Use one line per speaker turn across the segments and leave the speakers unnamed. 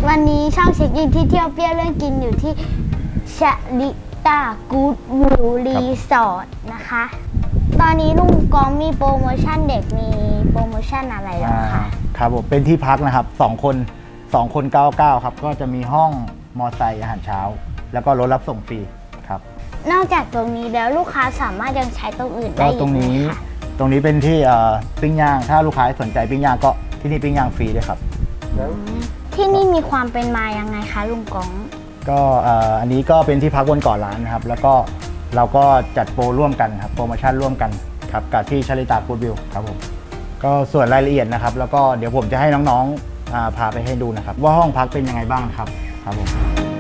วันนี้ช่องเช็คอินที่เที่ยวเปรี้ยวเรื่องกินอยู่ที่ชะลิตากู๊ดวิวรีสอร์ทนะคะ ตอนนี้ลุงกองมีโปรโมชั่นเด็กมีโปรโมชั่นอะไรหรอคะ
ครับผมเป็นที่พักนะครับ2 คน99ครับก็จะมีห้องมอไซค์อาหารเช้าแล้วก็รถรับส่งฟรีครับ
นอกจากตรงนี้แล้วลูกค้าสามารถยังใช้ตรงอื่นได้อีกไหมคะ
ตรงนี้เป็นที่ปิ้งย่างถ้าลูกค้าสนใจปิ้งย่างก็ที่นี่ปิ้งย่างฟรีด้วยครับ
ที่นี่มีความเป็นมายังไงคะลุงกอง
ก็อันนี้ก็เป็นที่พักบนเกาะล้านนะครับแล้วก็เราก็จัดโปรร่วมกันครับโปรโมชั่นร่วมกันครับกับที่ชลิตากู๊ดวิวครับผมก็ส่วนรายละเอียดนะครับแล้วก็เดี๋ยวผมจะให้น้องๆพาไปให้ดูนะครับว่าห้องพักเป็นยังไงบ้างครับครับผม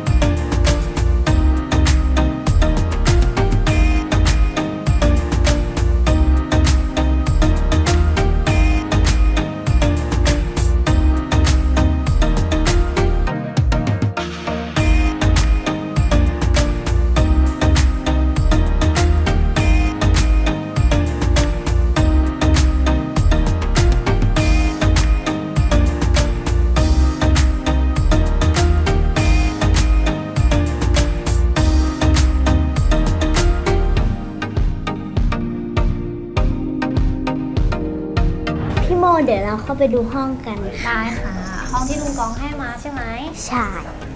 พี่โมเดี๋ยวเราเข้าไปดูห้องกัน
ได้ค่ะห้องที่ลุงกองให้มาใช่ไหม
ใช่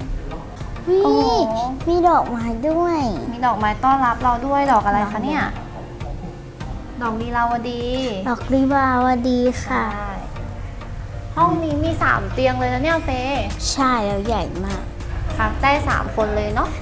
มีดอกไม้ด้วย
มีดอกไม้ต้อนรับเราด้วยดอกอะไรคะเนี่ยดอกลีลาวดี
ดอกลีลาวดีค่ะ
ห้องนี้มี3เตียงเลยนะเนี่ยเฟ
ใช่แล้วใหญ่มาก
พักได้3คนเลยเนาะ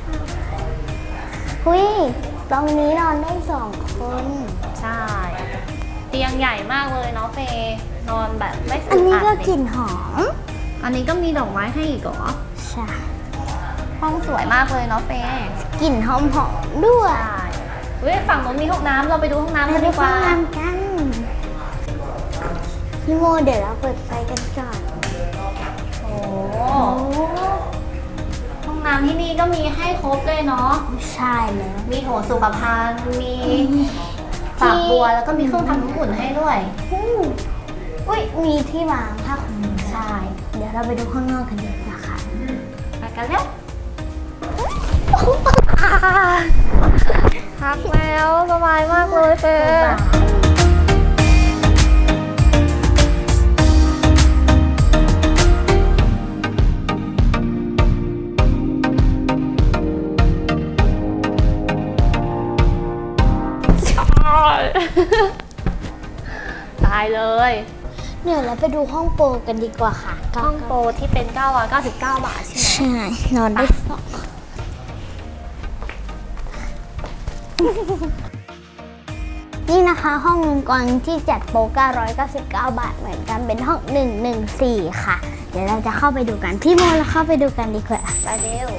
ตรงนี้นอนได้2คน
ใช่เตียงใหญ่มากเลยเนาะเฟนอนแบบไม่
อันนี้ก็กลิ่นหอม
อันนี้ก็มีดอกไม้ให้อีกเหรอ
ใช่
ห้องสวยมากเลยเนาะเฟ
กลิ่นหอมด้วย
ฝั่งนู้นมีห้องน้ำเราไปดูห้องน้ำกันดีกว่า
พี่โมเดี๋ยวเราเปิดไฟกันก่อน
โอ้ห้องน้ำที่นี่ก็มีให้ครบเลยเนาะ
ใช่เลย
มีโถสุขภัณฑ์มีฝักบัวแล้วก็มีเครื่องทำน้ำอุ่นให้ด้วย
มีที่วางผ้าขนหนูใช่เดี๋ยวเราไปดูข้างนอกกันดีกว่าค่ะ
ไปกันแล้วพักแล้วสบายมากเลยเฟตายเลย
เดี๋ยวเราไปดูห้องโปรกันดีกว่าค่ะ
ห้องโปรที่เป็น999 บาทใช่ไหม
ใช่นอนได้นี่นะคะห้องลุงกรที่จัดโปร999 บาทเหมือนกันเป็นห้อง114ค่ะเดี๋ยวเราจะเข้าไปดูกันพี่โมเราเข้าไปดูกันดีกว่า
ไปเร็ว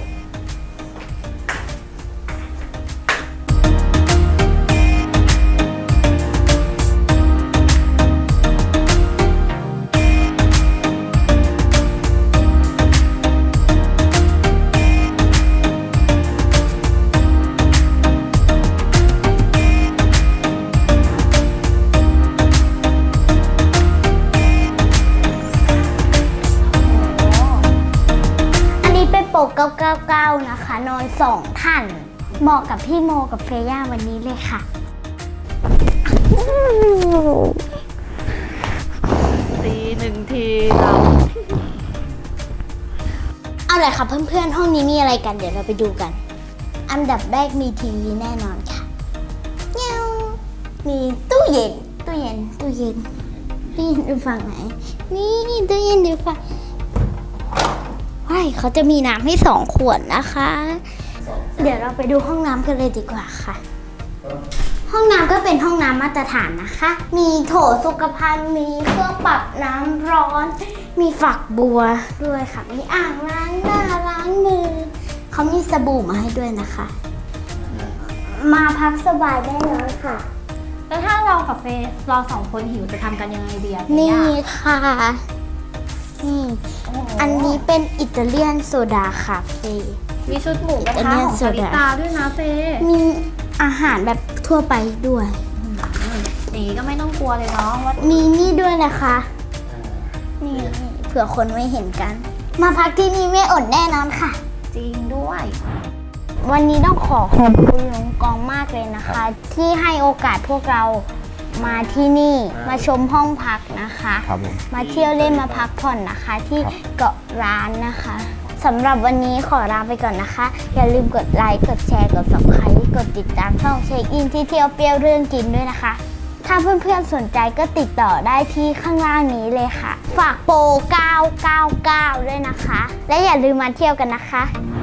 999นะคะนอน2 ท่านเหมาะกับพี่โมกับเฟย่าวันนี้เลยค่ะ
ตี1 ทีเรา
เอาเลยค่ะเพื่อนๆห้องนี้มีอะไรกันเดี๋ยวเราไปดูกันอันดับแรกมีทีวีแน่นอนค่ะมีตู้เย็นดูฝั่งไหนนี่ตู้เย็นดูฝั่งเขาจะมีน้ำให้2 ขวดนะคะเดี๋ยวเราไปดูห้องน้ำกันเลยดีกว่าค่ะห้องน้ำก็เป็นห้องน้ำมาตรฐานนะคะมีโถสุขภัณฑ์มีเครื่องปรับน้ำร้อนมีฝักบัวด้วยค่ะมีอ่างล้างหน้าล้างมือเขามีสบู่มาให้ด้วยนะคะมาพักสบายได้เลยค่ะ
แล้วถ้าเรากับเฟเรา2 คนหิวจะทำกันยังไงดี
นี่ค่ะอันนี้เป็นอิตาเลียนโซดาคาเฟ่
มีชุดหมูกระทะของชลิตาด้วยนะเฟ
มีอาหารแบบทั่วไปด้วย
อย่างนี้ก็ไม่ต้องกลัวเลยเนาะว่า
มีนี่ด้วยนะคะนี่เผื่อคนไม่เห็นกันมาพักที่นี่ไม่อดแน่นอนค่ะ
จริงด้วย
วันนี้ต้องขอขอบคุณลุงกองมากเลยนะคะ ที่ให้โอกาสพวกเรามาที่นี่มาชมห้องพักนะคะ
ครับผม
มาเที่ยวเล่นมาพักผ่อนนะคะ ที่
ครับ
เกาะร้านนะคะสำหรับวันนี้ขอลาไปก่อนนะคะ อย่าลืมกดไลค์กดแชร์กด Subscribe กดติดตามช่องเช็คอินที่เที่ยวเปรี้ยวเรื่องกินด้วยนะคะ ถ้าเพื่อนๆสนใจก็ติดต่อได้ที่ข้างล่างนี้เลยค่ะ ฝากโปร 999 ด้วยนะคะ และอย่าลืมมาเที่ยวกันนะคะ